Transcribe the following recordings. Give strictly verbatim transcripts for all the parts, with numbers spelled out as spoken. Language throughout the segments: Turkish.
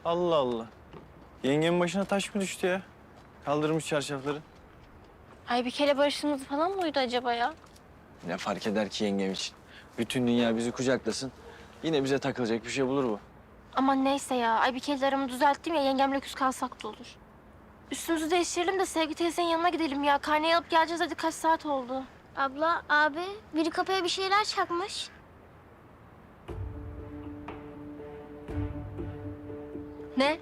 Allah Allah. Yengemin başına taş mı düştü ya? Kaldırmış çarşafları. Ay bir kere barışımız falan mıydı acaba ya? Ne fark eder ki yengem için? Bütün dünya bizi kucaklasın. Yine bize takılacak bir şey bulur bu. Aman neyse ya. Ay bir kere aramı düzelttim ya, yengemle küs kalsak da olur. Üstümüzü değiştirelim de Sevgi teyzenin yanına gidelim ya. Karneyi alıp geleceğiz, hadi kaç saat oldu. Abla, abi, biri kapıya bir şeyler çakmış. Ne?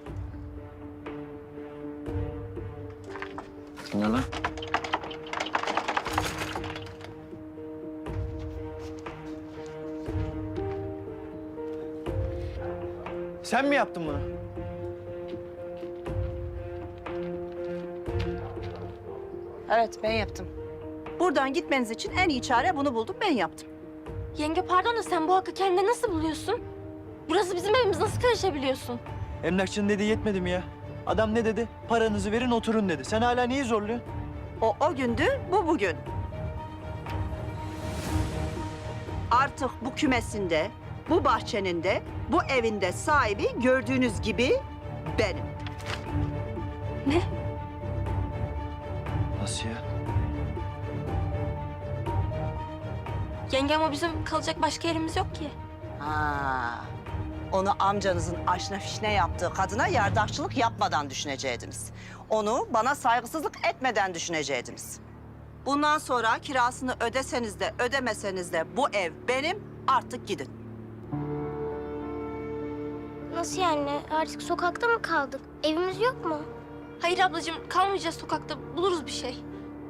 Ne lan? Sen mi yaptın bunu? Evet, ben yaptım. Buradan gitmeniz için en iyi çare bunu buldum, ben yaptım. Yenge pardon da sen bu hakkı kendine nasıl buluyorsun? Burası bizim evimiz, nasıl karışabiliyorsun? Emlakçının dediği yetmedi mi ya? Adam ne dedi? Paranızı verin oturun dedi. Sen hala niye zorluyorsun? O o gündü, bu bugün. Artık bu kümesinde, bu bahçenin de, bu evinde sahibi gördüğünüz gibi benim. Ne? Nasıl ya? Yenge ama bizim kalacak başka yerimiz yok ki. Ha. Onu amcanızın aşna fişne yaptığı kadına yardakçılık yapmadan düşüneceydiniz. Onu bana saygısızlık etmeden düşüneceydiniz. Bundan sonra kirasını ödeseniz de ödemeseniz de bu ev benim, artık gidin. Nasıl yani? Artık sokakta mı kaldık? Evimiz yok mu? Hayır ablacığım, kalmayacağız sokakta, buluruz bir şey.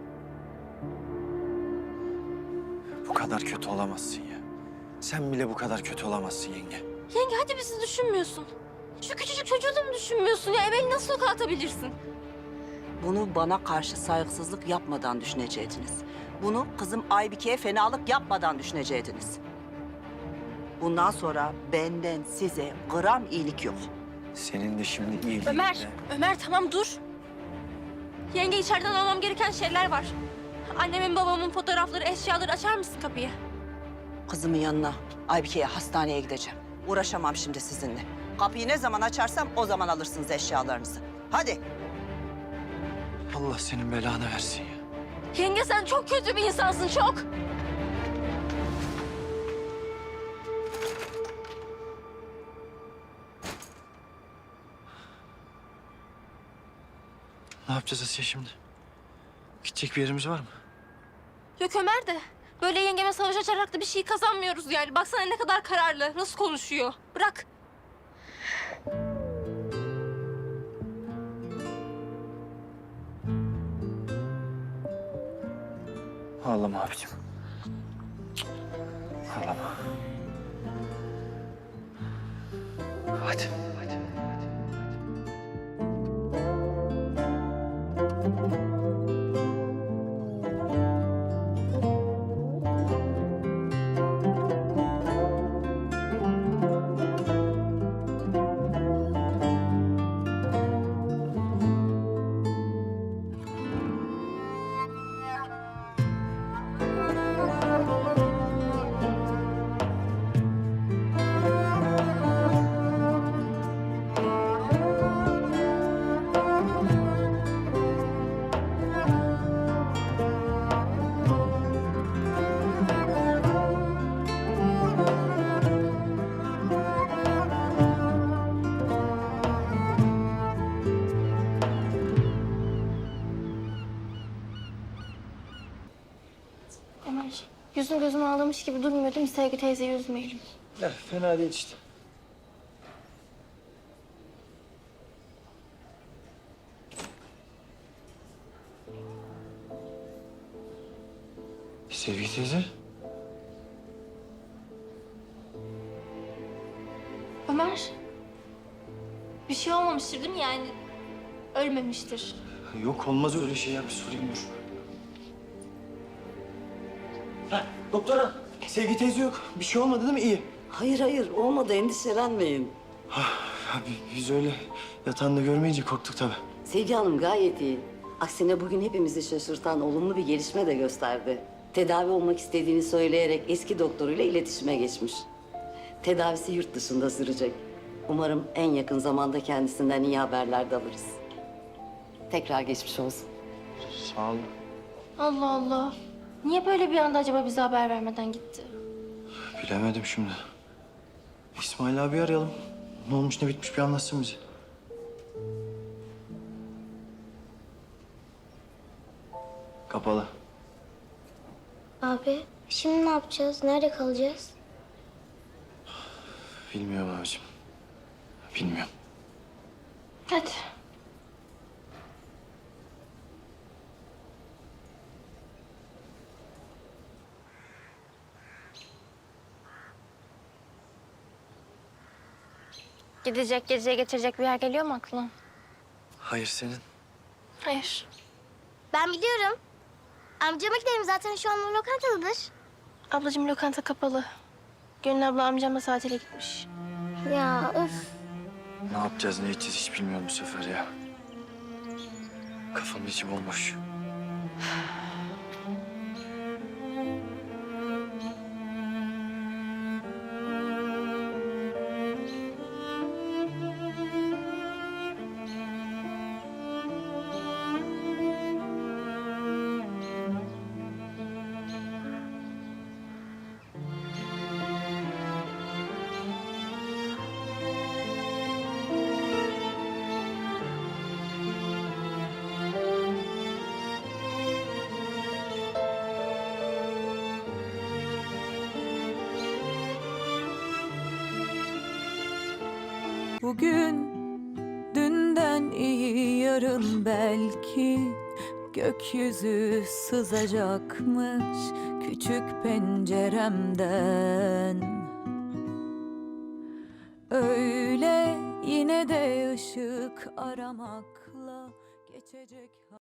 Bu kadar kötü olamazsın ya. Sen bile bu kadar kötü olamazsın yenge. Yenge hadi bizi düşünmüyorsun. Şu küçücük çocuğu da mı düşünmüyorsun ya? Beni nasıl sokağa atabilirsin? Bunu bana karşı saygısızlık yapmadan düşüneceydiniz. Bunu kızım Aybike'ye fenalık yapmadan düşüneceydiniz. Bundan sonra benden size gram iyilik yok. Senin de şimdi iyiliğin Ömer, de- Ömer tamam dur. Yenge içeriden almam gereken şeyler var. Annemin babamın fotoğrafları, eşyaları, açar mısın kapıyı? Kızımın yanına, Aybike'ye, hastaneye gideceğim. Uğraşamam şimdi sizinle. Kapıyı ne zaman açarsam o zaman alırsınız eşyalarınızı. Hadi. Allah senin belanı versin ya. Yenge sen çok kötü bir insansın, çok. Ne yapacağız Asiye şimdi? Gidecek bir yerimiz var mı? Yok Ömer de böyle yengeme savaş açarak da bir şey kazanmıyoruz yani. Baksana ne kadar kararlı, nasıl konuşuyor. Bırak. Ağlama abicim. Ağlama. Hadi. Hadi. Ömer, yüzüm gözüm ağlamış gibi durmuyor değil mi? Sevgi teyzeyi üzmeyelim. Ya, fena değil işte. Sevgi teyze. Ömer, bir şey olmamıştır değil mi yani? Ölmemiştir. Yok olmaz öyle şey ya. Bir sorayım dur. Ha, doktora. Sevgi teyze yok. Bir şey olmadı değil mi? İyi. Hayır hayır olmadı, endişelenmeyin. Abi biz öyle yatağında görmeyince korktuk tabii. Sevgi Hanım gayet iyi. Aksine bugün hepimizi şaşırtan olumlu bir gelişme de gösterdi. Tedavi olmak istediğini söyleyerek eski doktoruyla iletişime geçmiş. Tedavisi yurt dışında sürecek. Umarım en yakın zamanda kendisinden iyi haberler de alırız. Tekrar geçmiş olsun. Sağ olun. Allah Allah. Niye böyle bir anda acaba bize haber vermeden gitti? Bilemedim şimdi. İsmail abi arayalım. Ne olmuş ne bitmiş bir anlatsın bize. Kapalı. Abi şimdi ne yapacağız? Nerede kalacağız? Bilmiyorum abicim. Bilmiyorum. Hadi. Gidecek, geceye getirecek bir yer geliyor mu aklına? Hayır senin. Hayır. Ben biliyorum. Amcama gidelim zaten şu an o lokantadadır. Ablacığım lokanta kapalı. Gönül abla amcamla tatile gitmiş. Ya öf. Ne yapacağız ne edeceğiz hiç bilmiyorum bu sefer ya. Kafamın içi bomboş. Bugün dünden iyi yarın belki gökyüzü sızacakmış küçük penceremden. Öyle yine de ışık aramakla geçecek.